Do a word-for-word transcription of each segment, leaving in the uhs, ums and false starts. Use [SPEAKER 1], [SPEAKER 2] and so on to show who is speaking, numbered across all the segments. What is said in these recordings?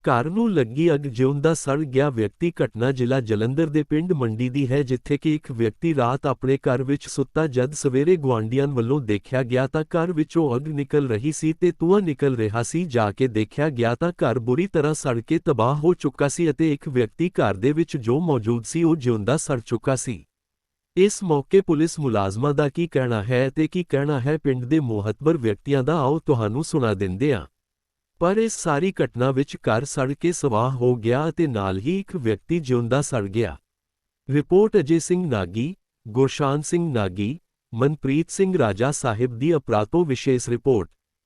[SPEAKER 1] ਘਰ ਨੂੰ ਲੱਗੀ ਅੱਗ ਜਿਉਂਦਾ ਸੜ ਗਿਆ ਵਿਅਕਤੀ। ਘਟਨਾ ਜ਼ਿਲ੍ਹਾ ਜਲੰਧਰ ਦੇ ਪਿੰਡ ਮੰਡੀ ਦੀ ਹੈ, ਜਿੱਥੇ ਕਿ ਇੱਕ ਵਿਅਕਤੀ ਰਾਤ ਆਪਣੇ ਘਰ ਵਿੱਚ ਸੁੱਤਾ ਜਦ ਸਵੇਰੇ ਗੁਆਂਢੀਆਂ ਵੱਲੋਂ ਦੇਖਿਆ ਗਿਆ ਤਾਂ ਘਰ ਵਿੱਚੋਂ ਅੱਗ ਨਿਕਲ ਰਹੀ ਸੀ ਤੇ ਧੂੰਆਂ ਨਿਕਲ ਰਿਹਾ ਸੀ। ਜਾ ਕੇ ਦੇਖਿਆ ਗਿਆ ਤਾਂ ਘਰ ਬੁਰੀ ਤਰ੍ਹਾਂ ਸੜ ਕੇ ਤਬਾਹ ਹੋ ਚੁੱਕਾ ਸੀ ਅਤੇ ਇੱਕ ਵਿਅਕਤੀ ਘਰ ਦੇ ਵਿੱਚ ਜੋ ਮੌਜੂਦ ਸੀ ਉਹ ਜਿਉਂਦਾ ਸੜ ਚੁੱਕਾ ਸੀ। ਇਸ ਮੌਕੇ ਪੁਲਿਸ ਮੁਲਾਜ਼ਮਾਂ ਦਾ ਕੀ ਕਹਿਣਾ ਹੈ ਤੇ ਕੀ ਕਹਿਣਾ ਹੈ ਪਿੰਡ ਦੇ ਮੋਹਤਬਰ ਵਿਅਕਤੀਆਂ ਦਾ, ਆਓ ਤੁਹਾਨੂੰ ਸੁਣਾ ਦਿੰਦੇ ਹਾਂ। ਪਰ ਇਸ ਸਾਰੀ ਘਟਨਾ ਵਿੱਚ ਘਰ ਸੜ ਕੇ ਸਵਾਹ ਹੋ ਗਿਆ ਅਤੇ ਨਾਲ ਹੀ ਇੱਕ ਵਿਅਕਤੀ ਜਿਉਂਦਾ ਸੜ ਗਿਆ। ਰਿਪੋਰਟ ਅਜੇ ਸਿੰਘ ਨਾਗੀ, ਗੁਰਸ਼ਾਨ ਸਿੰਘ ਨਾਗੀ, ਮਨਪ੍ਰੀਤ ਸਿੰਘ ਰਾਜਾ ਸਾਹਿਬ ਦੀ ਅਪਰਾਤੋ ਵਿਸ਼ੇਸ਼ ਰਿਪੋਰਟ।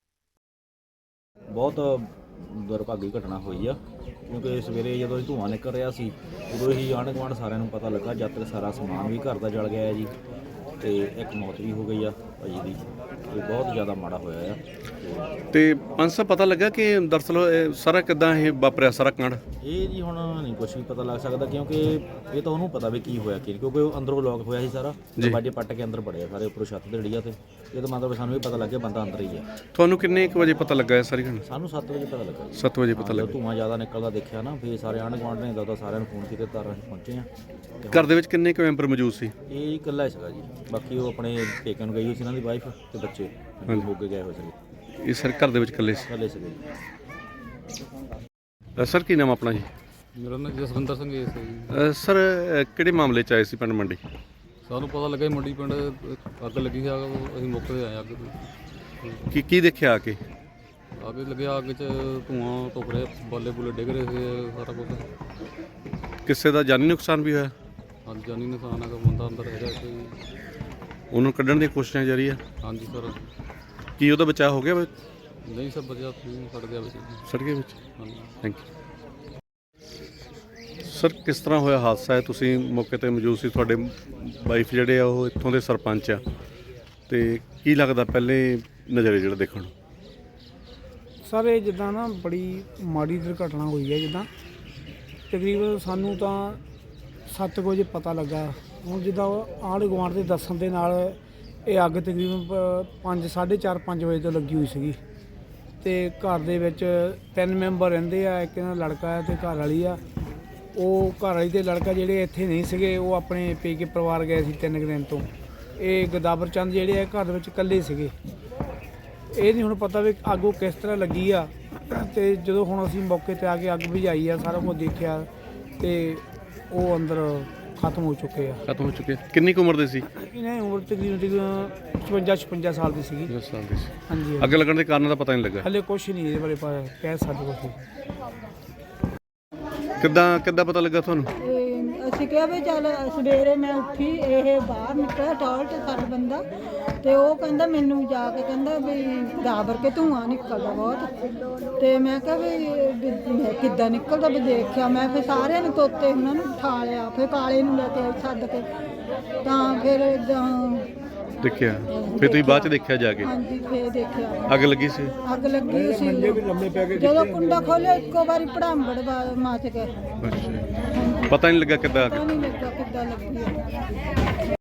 [SPEAKER 2] ਬਹੁਤ ਦੁਰਭਾਗੀ ਘਟਨਾ ਹੋਈ ਆ, ਕਿਉਂਕਿ ਸਵੇਰੇ ਜਦੋਂ ਧੂੰਆਂ ਨਿਕਲ ਰਿਹਾ ਸੀ ਉਦੋਂ ਹੀ ਆਂਢ ਗੁਆਂਢ ਸਾਰਿਆਂ ਨੂੰ ਪਤਾ ਲੱਗਾ। ਜਦ ਤੱਕ ਸਾਰਾ ਸਮਾਨ ਵੀ ਘਰ ਦਾ ਜਲ ਗਿਆ ਹੈ ਜੀ, ਤੇ ਇੱਕ ਮੌਤ ਵੀ ਹੋ ਗਈ ਆ ਭਾਜੀ ਦੀ, ਤੇ ਬਹੁਤ ਜ਼ਿਆਦਾ ਮਾੜਾ ਹੋਇਆ ਆ।
[SPEAKER 3] ਤੇ ਪੰਜ ਸਾਹਿਬ ਪਤਾ ਲੱਗਾ ਕਿ ਦਰਅਸਲ ਇਹ ਸਾਰਾ ਕਿੱਦਾਂ ਇਹ ਵਾਪਰਿਆ ਸਾਰਾ ਕਾਂਡ?
[SPEAKER 2] ਇਹ ਜੀ ਹੁਣ ਨਹੀਂ ਕੁਛ ਵੀ ਪਤਾ ਲੱਗ ਸਕਦਾ, ਕਿਉਂਕਿ ਇਹ ਤਾਂ ਉਹਨੂੰ ਪਤਾ ਵੀ ਕੀ ਹੋਇਆ ਕੀ, ਕਿਉਂਕਿ ਉਹ ਅੰਦਰੋਂ ਲੌਕ ਹੋਇਆ ਸੀ ਸਾਰਾ, ਦਰਵਾਜ਼ੇ ਪੱਟ ਕੇ ਅੰਦਰ ਵੜਿਆ ਸਾਰੇ, ਉੱਪਰੋਂ ਛੱਤ ਤੇ ਡਿੱਗਿਆ। ਤੇ ਇਹ ਤਾਂ ਮਤਲਬ ਸਾਨੂੰ ਵੀ ਪਤਾ ਲੱਗ ਗਿਆ ਬੰਦਾ ਅੰਦਰ ਹੀ ਆ।
[SPEAKER 3] ਤੁਹਾਨੂੰ ਕਿੰਨੇ ਕੁ ਵਜੇ ਪਤਾ ਲੱਗਾ ਇਹ ਸਾਰੀ ਘਟਨਾ?
[SPEAKER 2] ਸਾਨੂੰ ਸੱਤ ਵਜੇ ਪਤਾ ਲੱਗਾ।
[SPEAKER 3] ਸੱਤ ਵਜੇ ਪਤਾ ਲੱਗਾ।
[SPEAKER 2] ਧੂੰਆਂ ਜ਼ਿਆਦਾ ਨਿਕਲਦਾ ਦੇਖਿਆ ਨਾ, ਫਿਰ ਸਾਰੇ ਆਂਢ ਗੁਆਂਢ ਨੇ ਦਾਦਾ ਸਾਰਿਆਂ ਨੂੰ ਫੋਨ ਕੀਤੇ, ਤਾਂ ਅਸੀਂ ਪਹੁੰਚੇ ਆ।
[SPEAKER 3] ਘਰ ਦੇ ਵਿੱਚ ਕਿੰਨੇ ਕੁ ਮੈਂਬਰ ਮੌਜੂਦ ਸੀ?
[SPEAKER 2] ਇਹ ਇਕੱਲਾ ਸੀਗਾ ਜੀ, ਬਾਕੀ ਉਹ ਆਪਣੇ ਪੇਕਿਆਂ ਨੂੰ ਗਈ ਹੋਈ ਸੀ, ਇਹਨਾਂ ਦੀ ਵਾਈਫ ਤੇ ਬੱਚੇ ਹੋ ਕੇ ਗਏ ਹੋਏ ਸੀ।
[SPEAKER 3] ਇਹ ਸਰ ਘਰ ਦੇ ਵਿੱਚ ਇਕੱਲੇ ਸੀ?
[SPEAKER 2] ਇਕੱਲੇ ਸੀਗੇ
[SPEAKER 3] ਜੀ। ਸਰ ਕੀ ਨਾਮ ਆਪਣਾ ਜੀ?
[SPEAKER 4] ਮੇਰਾ ਨਾਮ ਜਸਵਿੰਦਰ ਸਿੰਘ ਹੈ ਜੀ।
[SPEAKER 3] ਅ, ਸਰ ਅ, ਕਿਹੜੇ ਮਾਮਲੇ 'ਚ ਆਏ ਸੀ ਪਿੰਡ ਮੰਡੀ?
[SPEAKER 4] ਸਾਨੂੰ ਪਤਾ ਲੱਗਾ ਮੰਡੀ ਪਿੰਡ ਅੱਗ ਲੱਗੀ ਸੀ, ਅੱਗ ਅਸੀਂ ਮੌਕੇ 'ਤੇ ਆਏ ਅੱਗ ਤੋਂ।
[SPEAKER 3] ਕੀ ਕੀ ਦੇਖਿਆ ਆ ਕੇ?
[SPEAKER 4] ਅੱਗ ਲੱਗਿਆ, ਅੱਗ 'ਚ ਧੂੰਆਂ ਧੁੱਪ ਰਿਹਾ, ਬਾਲੇ ਬੁਲੇ ਡਿੱਗ ਰਹੇ ਸੀ, ਸਾਰਾ ਕੁਛ।
[SPEAKER 3] ਕਿਸੇ ਦਾ ਜਾਨੀ ਨੁਕਸਾਨ ਵੀ ਹੋਇਆ?
[SPEAKER 4] ਹਾਂਜੀ, ਜਾਨੀ ਨੁਕਸਾਨ ਹੈਗਾ, ਬੰਦਾ ਅੰਦਰ ਹੈਗਾ ਕੋਈ।
[SPEAKER 3] ਉਹਨੂੰ ਕੱਢਣ ਦੀਆਂ ਕੋਸ਼ਿਸ਼ਾਂ ਜਾਰੀ ਆ?
[SPEAKER 4] ਹਾਂਜੀ ਸਰ।
[SPEAKER 3] ਕੀ ਉਹਦਾ ਬਚਾਅ ਹੋ ਗਿਆ?
[SPEAKER 4] ਨਹੀਂ ਸਰ, ਬਚਿਆ ਸੜ ਗਿਆ ਵਿੱਚ।
[SPEAKER 3] ਸੜ ਗਿਆ ਵਿੱਚ?
[SPEAKER 4] ਹਾਂਜੀ।
[SPEAKER 3] Thank you sir. ਕਿਸ ਤਰ੍ਹਾਂ ਹੋਇਆ ਹਾਦਸਾ ਹੈ? ਤੁਸੀਂ ਮੌਕੇ 'ਤੇ ਮੌਜੂਦ ਸੀ, ਤੁਹਾਡੇ ਵਾਈਫ ਜਿਹੜੇ ਆ ਉਹ ਇੱਥੋਂ ਦੇ ਸਰਪੰਚ ਆ, ਤੇ ਕੀ ਲੱਗਦਾ ਪਹਿਲੇ ਨਜ਼ਰੇ ਜਿਹੜਾ ਦੇਖਣ ਨੂੰ?
[SPEAKER 5] ਸਰ ਇਹ ਜਿੱਦਾਂ ਨਾ ਬੜੀ ਮਾੜੀ ਦੁਰਘਟਨਾ ਹੋਈ ਹੈ। ਜਿੱਦਾਂ ਤਕਰੀਬਨ ਸਾਨੂੰ ਤਾਂ ਸੱਤ ਕੁ ਵਜੇ ਪਤਾ ਲੱਗਾ। ਹੁਣ ਜਿੱਦਾਂ ਆਂਢ ਗੁਆਂਢ ਦੇ ਦੱਸਣ ਦੇ ਨਾਲ ਇਹ ਅੱਗ ਤਕਰੀਬਨ ਪੰਜ ਸਾਢੇ ਚਾਰ ਪੰਜ ਵਜੇ ਤੋਂ ਲੱਗੀ ਹੋਈ ਸੀਗੀ, ਅਤੇ ਘਰ ਦੇ ਵਿੱਚ ਤਿੰਨ ਮੈਂਬਰ ਰਹਿੰਦੇ ਆ। ਇੱਕ ਇਹਨਾਂ ਲੜਕਾ ਹੈ ਅਤੇ ਘਰ ਵਾਲੀ ਆ। ਉਹ ਘਰ ਵਾਲੀ ਅਤੇ ਲੜਕਾ ਜਿਹੜੇ ਇੱਥੇ ਨਹੀਂ ਸੀਗੇ, ਉਹ ਆਪਣੇ ਪੇਕੇ ਪਰਿਵਾਰ ਗਏ ਸੀ ਤਿੰਨ ਕੁ ਦਿਨ ਤੋਂ। ਇਹ ਗਦਾਵਰ ਚੰਦ ਜਿਹੜੇ ਆ ਘਰ ਵਿੱਚ ਇਕੱਲੇ ਸੀਗੇ। ਇਹ ਨਹੀਂ ਹੁਣ ਪਤਾ ਵੀ ਅੱਗ ਉਹ ਕਿਸ ਤਰ੍ਹਾਂ ਲੱਗੀ ਆ। ਅਤੇ ਜਦੋਂ ਹੁਣ ਅਸੀਂ ਮੌਕੇ 'ਤੇ ਆ ਕੇ ਅੱਗ ਬੁਝਾਈ ਆ, ਸਾਰਾ ਕੁਝ ਦੇਖਿਆ, ਅਤੇ ਉਹ ਅੰਦਰ ਖਤਮ ਹੋ ਚੁੱਕੇ ਆ।
[SPEAKER 3] ਖਤਮ ਹੋ ਚੁੱਕੇ? ਕਿੰਨੀ ਕੁ ਉਮਰ ਦੇ ਸੀ?
[SPEAKER 5] ਇਹਨਾਂ ਦੀ ਉਮਰ ਤਕਰੀਬਨ ਤਕਰੀਬਨ ਪਚਵੰਜਾ ਛਪੰਜਾ ਸਾਲ ਦੀ ਸੀਗੀ।
[SPEAKER 3] ਦਸ ਸਾਲ ਦੇ ਸੀ।
[SPEAKER 5] ਹਾਂਜੀ।
[SPEAKER 3] ਅੱਗ ਲੱਗਣ ਦੇ ਕਾਰਨ ਦਾ ਪਤਾ ਨਹੀਂ ਲੱਗਾ
[SPEAKER 5] ਹਲੇ ਕੁਛ ਨਹੀਂ ਇਹਦੇ ਬਾਰੇ ਪਤਾ ਕਹਿ ਸਕਦੇ ਕੁਛ।
[SPEAKER 3] ਕਿੱਦਾਂ ਕਿੱਦਾਂ ਪਤਾ ਲੱਗਾ ਤੁਹਾਨੂੰ?
[SPEAKER 6] ਅਸੀਂ ਕਿਹਾ ਵੀ ਚੱਲ ਸਵੇਰੇ ਮੈਂ ਉੱਠੀ, ਇਹ ਬਾਹਰ ਨਿਕਲਿਆ ਟਾਇਲਟ ਸਾਡਾ ਬੰਦਾ, ਤੇ ਉਹ ਕਹਿੰਦਾ ਮੈਨੂੰ ਜਾ ਕੇ ਕਹਿੰਦਾ ਵੀ ਗਾਬਰ ਕੇ ਧੂੰਆਂ ਨਿਕਲਦਾ ਬਹੁਤ। ਤੇ ਮੈਂ ਕਿਹਾ ਵੀ ਕਿੱਦਾਂ ਨਿਕਲਦਾ, ਵੀ ਦੇਖਿਆ ਮੈਂ, ਫਿਰ ਸਾਰਿਆਂ ਨੂੰ ਤੋਤੇ ਉਹਨਾਂ ਨੂੰ ਉਠਾ ਲਿਆ, ਫਿਰ ਕਾਲੇ ਨੂੰ ਲੈ ਕੇ ਆਈ ਸੱਦ ਕੇ, ਤਾਂ ਫਿਰ
[SPEAKER 3] ਦੇਖਿਆ? ਫਿਰ ਤੁਸੀਂ ਬਾਅਦ 'ਚ ਦੇਖਿਆ ਜਾ ਕੇ?
[SPEAKER 6] ਹਾਂਜੀ, ਫਿਰ ਦੇਖਿਆ
[SPEAKER 3] ਅੱਗ ਲੱਗੀ ਸੀ।
[SPEAKER 6] ਅੱਗ ਲੱਗੀ ਸੀ। ਜਦੋਂ ਕੁੰਡਾ ਖੋਲ੍ਹਿਆ ਇੱਕੋ ਵਾਰੀ ਭੜਾਂਬੜ ਮੱਚ ਗਏ।
[SPEAKER 3] ਅੱਛਾ, ਪਤਾ ਨਹੀਂ ਲੱਗਾ ਕਿੱਦਾਂ?
[SPEAKER 6] ਪਤਾ ਨਹੀਂ ਲੱਗਾ ਕਿੱਦਾਂ ਲੱਗੀ।